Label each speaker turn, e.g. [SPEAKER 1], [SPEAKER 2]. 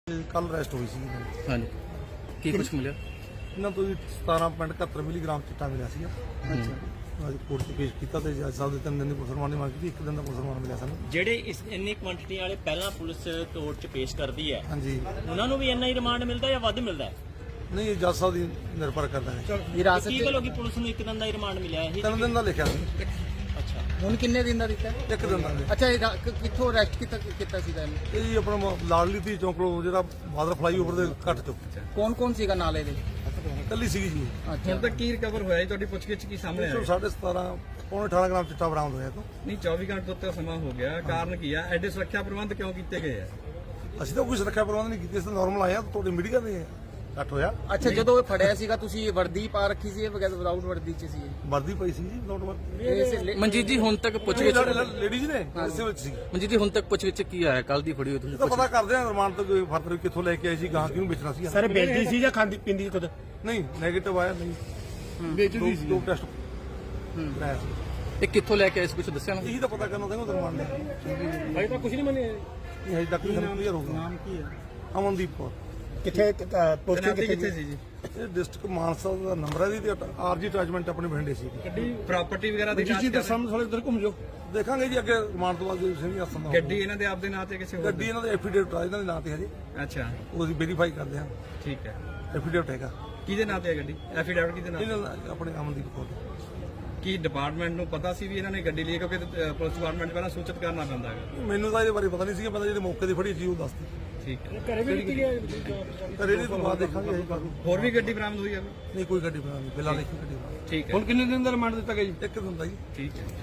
[SPEAKER 1] ਕੱਲ ਅਰੈਸਟ ਹੋਈ ਸੀ ਇਹਨਾਂ ਦੀ।
[SPEAKER 2] ਹਾਂਜੀ ਕੀ ਕੁਝ ਮਿਲਿਆ?
[SPEAKER 1] ਇਹਨਾਂ ਤੋਂ ਜੀ 17.71 ਮਿਲੀਗ੍ਰਾਮ ਚਿੱਟਾ ਮਿਲਿਆ ਸੀਗਾ। ਅੱਜ ਕੋਰਟ 'ਚ ਪੇਸ਼ ਕੀਤਾ ਤੇ ਜੱਜ ਸਾਹਿਬ ਦੇ 3 ਦਿਨ ਦੀ ਪੁਲਿਸ ਰਿਮਾਂਡ ਦੀ ਮੰਗ ਕੀਤੀ। 1 ਦਿਨ ਦਾ ਪੁਲਿਸ ਰਿਮਾਂਡ ਮਿਲਿਆ ਸਾਨੂੰ।
[SPEAKER 3] ਜਿਹੜੇ ਇਸ ਇੰਨੀ ਕੁਆਂਟੀਟੀ ਵਾਲੇ ਪਹਿਲਾਂ ਪੁਲਿਸ ਕੋਰਟ 'ਚ ਪੇਸ਼ ਕਰਦੀ ਹੈ,
[SPEAKER 1] ਹਾਂਜੀ,
[SPEAKER 3] ਉਹਨਾਂ ਨੂੰ ਵੀ ਇੰਨਾ ਹੀ ਰਿਮਾਂਡ ਮਿਲਦਾ ਜਾਂ ਵੱਧ ਮਿਲਦਾ ਹੈ?
[SPEAKER 1] ਨਹੀਂ ਇਹ ਜੱਜ ਸਾਹਿਬ ਦੀ ਨਿਰਭਰ ਕਰਦਾ ਹੈ।
[SPEAKER 2] ਵਿਰਾਸਤ
[SPEAKER 3] ਕੀ ਗੱਲ ਹੋ ਗਈ ਪੁਲਿਸ ਨੂੰ 1 ਦਿਨ ਦਾ ਹੀ ਰਿਮਾਂਡ ਮਿਲਿਆ ਇਹ?
[SPEAKER 1] 3 ਦਿਨ ਦਾ ਲਿਖਿਆ ਸੀ।
[SPEAKER 3] ਅੱਛਾ,
[SPEAKER 2] ਹੁਣ ਕਿੰਨੇ ਦਿਨ ਦਾ ਦਿੱਤਾ?
[SPEAKER 1] 1 ਦਿਨ ਦਾ ਲਿਖਿਆ।
[SPEAKER 2] ਅੱਛਾ ਇਹ ਕਿੱਥੋਂ ਅਰੈਸਟ ਕੀਤਾ ਸੀਗਾ ਇਹਨੂੰ?
[SPEAKER 1] ਇਹ ਜੀ ਆਪਣਾ ਲਾਡਲੀ ਧੀ ਚੌਂਕ ਕੋਲ ਜਿਹੜਾ ਬਾਦਰ ਫਲਾਈਓਵਰ ਦੇ ਘੱਟ ਚੁੱਕ
[SPEAKER 2] ਕੌਣ ਸੀਗਾ ਨਾਲੇ ਦੇ?
[SPEAKER 1] ਕੱਲੀ ਸੀਗੀ ਜੀ।
[SPEAKER 2] ਅੱਛਾ
[SPEAKER 4] ਹੁਣ ਤੱਕ ਕੀ ਰਿਕਵਰ ਹੋਇਆ ਜੀ? ਤੁਹਾਡੀ ਪੁੱਛਗਿੱਛ ਕੀ ਸਾਹਮਣੇ ਆਇਆ?
[SPEAKER 1] 17.5 ਪੌਣੇ 18 ਗ੍ਰਾਮ ਚਿੱਟਾ ਬਰਾਮਦ ਹੋਇਆ ਤੋਂ।
[SPEAKER 4] ਨਹੀਂ 24 ਘੰਟੇ ਤੋਂ ਉੱਤੇ ਸਮਾਂ ਹੋ ਗਿਆ, ਕਾਰਨ ਕੀ ਆ? ਐਡੇ ਸੁਰੱਖਿਆ ਪ੍ਰਬੰਧ ਕਿਉਂ ਕੀਤੇ ਗਏ ਆ?
[SPEAKER 1] ਅਸੀਂ ਤਾਂ ਕੋਈ ਸੁਰੱਖਿਆ ਪ੍ਰਬੰਧ ਨਹੀਂ ਕੀਤੇ, ਅਸੀਂ ਨਾਰਮਲ ਆਏ ਆ। ਤੁਹਾਡੇ ਮੀਡੀਆ ਦੇ ਘੱਟ ਹੋਇਆ।
[SPEAKER 2] ਅੱਛਾ ਜਦੋਂ ਇਹ ਫੜਿਆ ਸੀਗਾ ਤੁਸੀਂ ਵਰਦੀ ਪਾ ਰੱਖੀ ਸੀ ਬਗੈਰ ਵਿਦਾਊਟ ਵਰਦੀ ਚ ਸੀ?
[SPEAKER 1] ਵਰਦੀ ਪਈ ਸੀ ਜੀ, ਨੋਟ ਵਰਦੀ।
[SPEAKER 5] ਮਨਜੀਤ ਜੀ ਹੁਣ ਤੱਕ ਪੁੱਛਗਿੱਛ
[SPEAKER 1] ਲੇਡੀਜ਼ ਨੇ ਇਸੇ ਵਿੱਚ ਸੀ।
[SPEAKER 5] ਮਨਜੀਤ ਜੀ ਹੁਣ ਤੱਕ ਪੁੱਛਗਿੱਛ ਕੀ ਆਇਆ? ਕੱਲ ਦੀ ਫੜੀ ਹੋਈ ਤੁਸੀਂ
[SPEAKER 1] ਇਹ ਤਾਂ ਪਤਾ ਕਰਦੇ ਆ ਰਿਮਾਂਡ ਤੋਂ ਕੋਈ ਫਰਦਰ ਕਿੱਥੋਂ ਲੈ ਕੇ ਆਏ ਸੀ, ਗਾਂ ਕਿਉਂ ਵੇਚਣਾ ਸੀ।
[SPEAKER 6] ਸਰ ਵੇਚਦੀ ਸੀ ਜਾਂ ਖਾਂਦੀ ਪਿੰਦੀ ਖੁਦ?
[SPEAKER 1] ਨਹੀਂ ਨੈਗੇਟਿਵ ਆਇਆ, ਨਹੀਂ ਵੇਚਦੀ ਸੀ। ਦੋ ਟੈਸਟ ਕਰਾਇਆ ਸੀ।
[SPEAKER 5] ਇਹ ਕਿੱਥੋਂ ਲੈ ਕੇ ਆਏ ਸੀ ਕੁਝ ਦੱਸਿਆ ਨਾ?
[SPEAKER 1] ਇਹੀ ਤਾਂ ਪਤਾ ਕਰਨਾ ਚਾਹੀਦਾ ਰਿਮਾਂਡ ਨੇ।
[SPEAKER 6] ਅਜੇ ਤਾਂ ਕੁਝ ਨਹੀਂ ਮੰਨਿਆ।
[SPEAKER 1] ਇਹ ਹਜੇ ਤੱਕ ਨਹੀਂ ਕਲੀਅਰ ਹੋਊਗਾ।
[SPEAKER 6] ਨਾਮ ਕੀ ਹੈ?
[SPEAKER 1] ਅਮਨਦੀਪ ਕੌਰ।
[SPEAKER 6] ਕਿੱਥੇ ਪੋਸਟਿੰਗ
[SPEAKER 4] ਤੈਨਾਤੀ
[SPEAKER 6] ਕਿੱਥੇ
[SPEAKER 4] ਕਿੱਥੇ ਸੀ ਜੀ?
[SPEAKER 1] ਇਹ ਡਿਸਟ੍ਰਿਕਟ ਮਾਨਸਾ ਦਾ ਨੰਬਰ ਹੈ ਜੀ ਤੇ ਆਰਜੀ ਅਟੈਚਮੈਂਟ ਆਪਣੇ ਬਠਿੰਡੇ ਸੀ।
[SPEAKER 4] ਪ੍ਰਾਪਰਟੀ ਵਗੈਰਾ ਦੀ ਜਾਂਚ
[SPEAKER 6] ਜੀ
[SPEAKER 4] ਕਰ
[SPEAKER 6] ਤੇ ਸਾਹਮਣੇ ਸਾਲੇ ਉਧਰ ਘੁੰਮ ਜਾਓ।
[SPEAKER 1] ਦੇਖਾਂਗੇ ਜੀ ਅੱਗੇ ਰਿਮਾਂਡ ਤੋਂ ਬਾਅਦ ਜੇ ਸਿੰਘ ਆਸਨ ਦਾ
[SPEAKER 4] ਗੱਡੀ ਇਹਨਾਂ ਦੇ ਆਪਦੇ ਨਾਂ ਤੇ ਕਿਸੇ ਹੋਰ
[SPEAKER 1] ਗੱਡੀ ਇਹਨਾਂ ਦੇ ਐਫੀਡੇਵਿਟ ਆ, ਇਹਨਾਂ ਦੇ ਨਾਂ ਤੇ ਹਜੇ
[SPEAKER 4] ਅੱਛਾ
[SPEAKER 1] ਉਹ ਅਸੀਂ ਵੈਰੀਫਾਈ ਕਰਦੇ ਹਾਂ।
[SPEAKER 4] ਠੀਕ ਹੈ।
[SPEAKER 1] ਐਫੀਡੇਵਿਟ ਹੈਗਾ
[SPEAKER 4] ਕਿਹਦੇ ਨਾਂ ਤੇ ਹੈ ਗੱਡੀ? ਐਫੀਡੈਵਿਟ ਕਿਹਦੇ ਨਾਂ ਤੇ?
[SPEAKER 1] ਇਹਨਾਂ ਦਾ ਆਪਣੇ ਅਮਨਦੀਪ ਕੌਰ ਦਾ।
[SPEAKER 4] ਕੀ ਡਿਪਾਰਟਮੈਂਟ ਨੂੰ ਪਤਾ ਸੀ ਵੀ ਇਹਨਾਂ ਨੇ ਗੱਡੀ ਲਈ? ਕਿਉਂਕਿ ਪੁਲਿਸ ਡਿਪਾਰਟਮੈਂਟ ਪਹਿਲਾਂ ਸੂਚਿਤ ਕਰਨਾ ਪੈਂਦਾ ਹੈ।
[SPEAKER 1] ਮੈਨੂੰ ਤਾਂ ਇਹਦੇ ਬਾਰੇ ਪਤਾ ਨਹੀਂ ਸੀਗਾ, ਮੈਂ ਤਾਂ ਜਿਹੜੇ ਮੌਕੇ ਤੇ ਫੜੀ ਸੀ ਉਹ ਦੱਸਦੀ।
[SPEAKER 4] ਠੀਕ ਹੈ।
[SPEAKER 6] ਘਰੇ ਵੀ ਕੀਤੀ ਹੈ?
[SPEAKER 1] ਪਰ ਇਹਦੇ ਤੋਂ ਬਾਅਦ ਦੇਖਾਂਗੇ ਅਸੀਂ ਕਾਹਨੂੰ।
[SPEAKER 4] ਹੋਰ ਵੀ ਗੱਡੀ ਬਰਾਮਦ ਹੋਈ ਹੈ?
[SPEAKER 1] ਨਹੀਂ ਕੋਈ ਗੱਡੀ ਬਣਾ ਨਹੀਂ, ਬਿਲਾ ਦੇਖੀ ਗੱਡੀ ਬਣਾ।
[SPEAKER 4] ਠੀਕ ਹੈ।
[SPEAKER 6] ਹੁਣ ਕਿੰਨੇ ਦਿਨ ਦਾ ਰਿਮਾਂਡ ਦਿੱਤਾ ਗਿਆ ਜੀ?
[SPEAKER 1] 1 ਦਿਨ ਦਾ ਜੀ।
[SPEAKER 4] ਠੀਕ ਹੈ।